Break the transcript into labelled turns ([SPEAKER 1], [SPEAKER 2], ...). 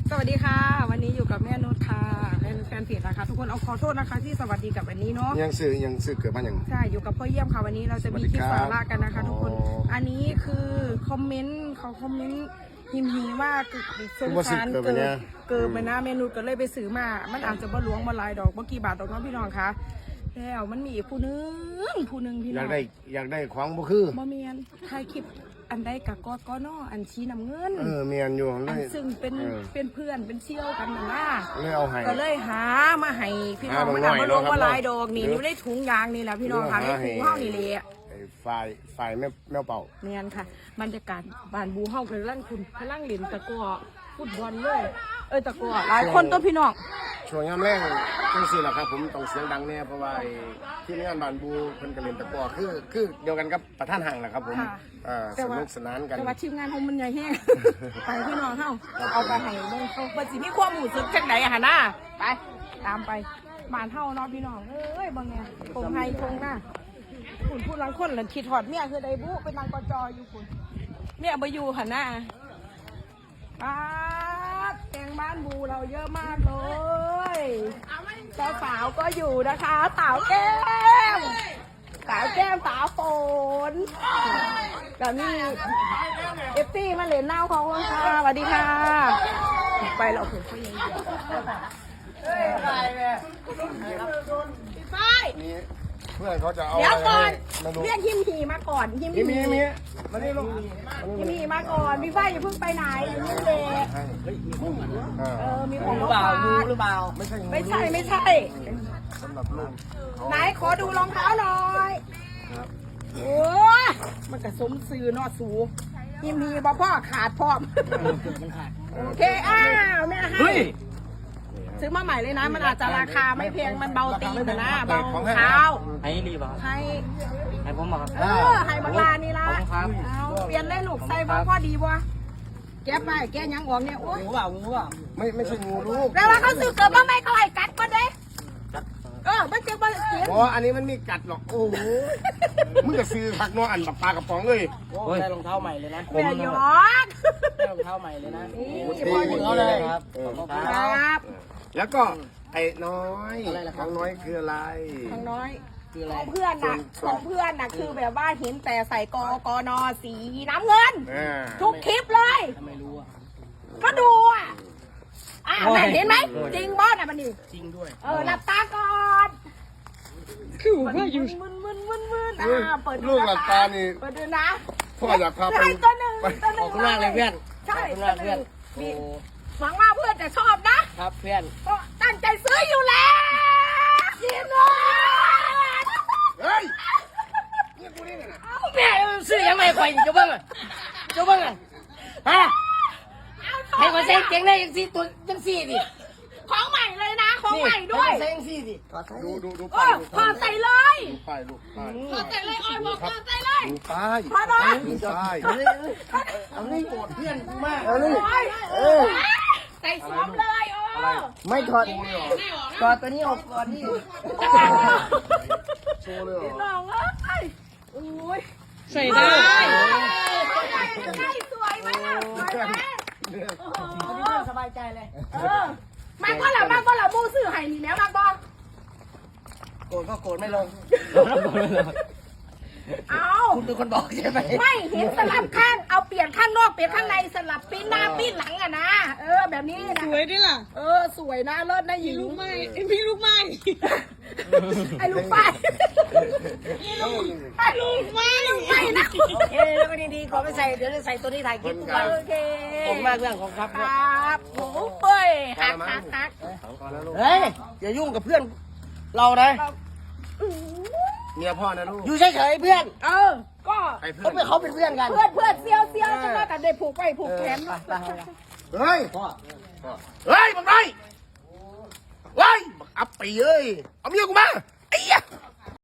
[SPEAKER 1] สวัสดีค่ะวันนี้อยู่กับแม่นุชค่ะเป็นแฟนเพจนะคะทุกคนเอาขอโทษนะคะที่สวัสดีกับวันนี้เนาะ
[SPEAKER 2] ยังซื้อเกิดมาอย่าง
[SPEAKER 1] ใช่อยู่กับพ่อเยี่ยมค่ะวันนี้เราจะมีคลิปสาระกันนะคะทุกคนอันนี้คือคอมเมนต์เขาคอมเมนต์หิมว่าสงสารเกิดไปนะเมนูก็เลยไปซื้อมามันอาจจะบ่หลวงบ่หลายดอกบ่กี่บาทดอกน้องพี่น้องคะแล้วมันมีอีกผู้นึงพี่น้อง
[SPEAKER 2] อยากได้ของบ่คือ
[SPEAKER 1] บ่เมียนถ่ายคลิปอันใดกับกอนออันชี้น้ำเงิน
[SPEAKER 2] เมียนอยู่
[SPEAKER 1] อันซึ่งเป็นเพื่อนเป็นเชี่ยวกันนะ
[SPEAKER 2] เลยเอาให้
[SPEAKER 1] ก็เลยหามาให้พี่น้องมันเอามาลงว่าลายดอกนี่ได้ถุงยางนี่แหละพี่น้องค่ะได้ถุงเฮานี่เลย
[SPEAKER 2] ฝ่ายแมวเป่า
[SPEAKER 1] เนียนค่ะบรรยากาศบ้านบูเฮาเป็นร่างคุณพลังเหรียญตะกั่วฟุตบอลเลยตะกั่วหลายคนตัวพี่น้อง
[SPEAKER 2] ช่วงยามแรงจังซี่แหละครับผมต้องเสียงดังแน่เพราะว่าที่งานบ้านบูเพิ่นก็เล่นตะกั่วคือเดียวกันกับประธานห้างแหละครับผมสนุกสนานกัน
[SPEAKER 1] แต่ว่าทีมงานเฮามันใหญ่แห้งไปพี่น้องเฮาเอาไปให้เบิ่งเขาบ่สิมีความรู้สึกจังได๋อะหั่นน่ะไปตามไปบ้านเฮาเนาะพี่น้องบ่แม่คงให้คงหน้าคุณพูดลังคนหลังคิดหอดเมียคือไดบุเป็นนางกจอยู่คุณเมียบ่อยู่หั่นน่ะแกงบ้านบูเราเยอะมากเลยสาวก็อยู่นะคะสาวแก้มสาวฝนกับนี่เอฟซีมาเหรียญเน่าของค่ะสวัสดีค่ะไปเราถึงเขายังอยู่
[SPEAKER 2] เพื่อนเขาจะเอา
[SPEAKER 1] เดี๋ยวก่อนเรียกหิมหีมาก่อนหิม
[SPEAKER 2] มีมานี่ลูก
[SPEAKER 1] หิมหีมาก่อนพี่ฝ้ายอย่าเพิ่งไปไหนอยู่นี่เลยมีของหรือเปล่าหรือเปล่าไม่ใช่
[SPEAKER 2] สำหรับลูก
[SPEAKER 1] ไหนขอดูรองเท้าหน่อยโอ้มันกระสมซื้อนอสูหิมหีบ่พ่อขาดพร้อมโอเคแม่ให้ซื้อมาใหม่เลยนะมันอาจจะราคาไม่แพงมันเบาตีนนะเบาเท้า
[SPEAKER 3] ให้รีบให้ผมบอก
[SPEAKER 1] ให้บังลานี่ละเอาเปลี่ยนได้ลูกใส่พ่อดีบ่แก้ไปแก้ยังออกเนี่ยโอ้ย
[SPEAKER 3] งูเปล่า
[SPEAKER 2] ไม่ใช่งูลูก
[SPEAKER 1] แต่ว่าเขาซื้อเกิดมาไม่เขาให้กัดก็ได้มันจะมาเสีย
[SPEAKER 2] อันนี้มันมีกัดหรอกโอ้โหมึงจะซื้อผักนัวอันปลากระป๋องเลย
[SPEAKER 3] ได้รองเท้าใหม่เลยนะ
[SPEAKER 1] แม่ยอด
[SPEAKER 3] ได้รองเท้าใหม่เลยนะ
[SPEAKER 1] พอ
[SPEAKER 3] เขาเลยครับ
[SPEAKER 2] แล้วก็ไอ้น้อยของน้อยคืออะไร
[SPEAKER 1] ของน้อยของเพื่อนน่ะคือแบบว่าเห็นแต่ใส่กนสีน้ำเงินทุกคลิปเลย
[SPEAKER 3] ไม่รู้
[SPEAKER 1] ก็ดูเห็นไหมจริงบอสมันนี่
[SPEAKER 3] จริงด้วย
[SPEAKER 1] หลับตาก่อนคือว่าอยู่มึนเปิด
[SPEAKER 2] ลูกหลับตานี่
[SPEAKER 1] เปิดดูนะ
[SPEAKER 2] พ่ออยากพาไป
[SPEAKER 1] ตัวหนึ่ง
[SPEAKER 3] ขอบคุณมากเลยเพื่อน
[SPEAKER 1] ใช่
[SPEAKER 3] ขอบคุณมากเพื่อน
[SPEAKER 1] หวังว่าเพื่อนจะชอบนะครับ
[SPEAKER 3] เพื่อน
[SPEAKER 1] ก็ตั้งใจซื้ออยู่แล้วกินเลย
[SPEAKER 2] เฮ้ย
[SPEAKER 3] แม่ซื้อยังไงไปจะเบิ้งฮะให้มาใส่เก่งได้ยังสี่ตัวยังสี่ดิ
[SPEAKER 1] ของใหม่เลยนะของใหม่ด้วย
[SPEAKER 3] ใส่ยังสี่ดิ
[SPEAKER 2] ดู
[SPEAKER 1] ป้ายพอใส่เลย
[SPEAKER 2] ลูกป้าย
[SPEAKER 1] พอใส่เลยออยบอกพอใส่เลย
[SPEAKER 2] ดูป้าย
[SPEAKER 1] พอเลย
[SPEAKER 3] เอาเลยโกรธเพื่อนมาก
[SPEAKER 1] ใส่สวมเลย
[SPEAKER 3] ไม่ถอดตัวนี้ออกก่อนนี่
[SPEAKER 2] โชว์เลยเหรอ
[SPEAKER 1] น้องโอ้ย
[SPEAKER 3] ใส่ได้
[SPEAKER 1] สวยมาก
[SPEAKER 3] สบายใจเลย
[SPEAKER 1] มันก็ละมูสื่อไห่นี่แล้วมันบอก
[SPEAKER 3] โกรธก็โกรธไม่ลงคุณเป็นคนบอกใช่ไหม
[SPEAKER 1] ไม่เห็นสลับข้างเอาเปลี่ยนข้างนอกเปลี่ยนข้างในสลับปิ้นหน้าปิ้นหลังนะแบบนี้นะ
[SPEAKER 4] สวยดิล่ะ
[SPEAKER 1] สวยนะเลิศนะหญิง
[SPEAKER 4] ลูกไม้พี่ลูกไม้
[SPEAKER 1] ไอ้ลูกไฟไอ้ลูกไม้นะ
[SPEAKER 3] โอเคแล้วก็ดีๆขอไปใส่เดี๋ยวจะใส่ตัวนี้ถ่ายคลิปกัน
[SPEAKER 1] โอเค
[SPEAKER 3] ผมมากเรื่องของครับ
[SPEAKER 1] โอ้เฮ้ยฮัก
[SPEAKER 3] เฮ้ยอย่ายุ่งกับเพื่อนเรานะ
[SPEAKER 2] เมียพ่อนะลูก
[SPEAKER 3] อยู่เฉยๆเพื่อน
[SPEAKER 1] ก็
[SPEAKER 3] เขาเป็นเพื่อนกัน
[SPEAKER 1] เพื่อนเซียวจะมากันได้ผูกไปผูกแขน
[SPEAKER 2] เฮ้ยบังไรอัปปีเอ้ยเอาเมียกูมา